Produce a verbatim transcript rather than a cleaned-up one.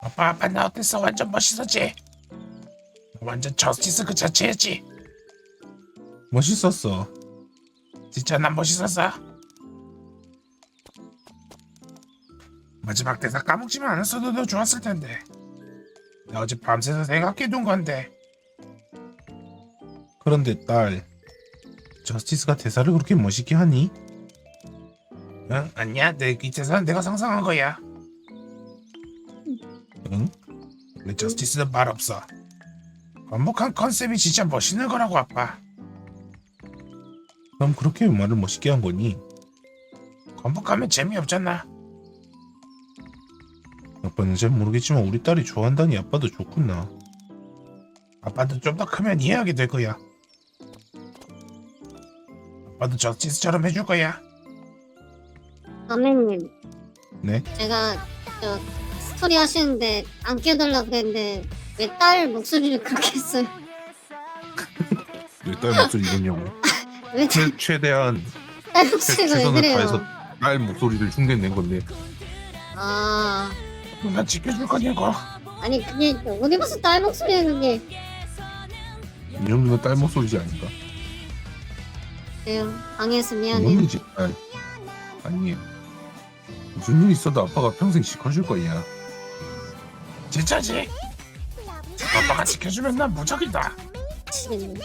아빠 아빠 나 어땠어? 완전 멋있었지? 완전 저스티스 그 자체였지? 멋있었어. 진짜 난 멋있었어. 마지막 대사 까먹지만 않았어도 더 좋았을 텐데. 나 어제 밤새서 생각해둔 건데. 그런데 딸, 저스티스가 대사를 그렇게 멋있게 하니? 응? 아니야, 내 이 대사는 내가 상상한 거야. 응? 원래 저스티스는 말 없어. 완벽한 컨셉이 진짜 멋있는 거라고 아빠. 그럼 그렇게 말을 멋있게 한 거니? 건복하면 재미없잖아. 아빠는 잘 모르겠지만 우리 딸이 좋아한다니 아빠도 좋구나. 아빠도 좀 더 크면 이해하게 될 거야. 아빠도 저스티스처럼 해줄 거야. 선배님, 네? 제가 저 스토리 하시는데 안 끼어들라 그랬는데 왜 딸 목소리를 그렇게 했어요? 우리 딸 목소리 이거냐고. 왜 최, 최대한 딸 최, 목소리가 왜 최선을 다해서 그래요? 딸 목소리를 흉내낸 건데. 아, 나 지켜줄 거냐고. 아니 그게 어디 가서 딸 목소리야 그게? 이 정도면 딸 목소리지 않을까? 그래요, 방해해서 미안해요. 뭔지 딸. 아니 무슨 일 있어도 아빠가 평생 지켜줄 거야. 진짜지? 아빠가 지켜주면 난 무적이다. 미치겠네.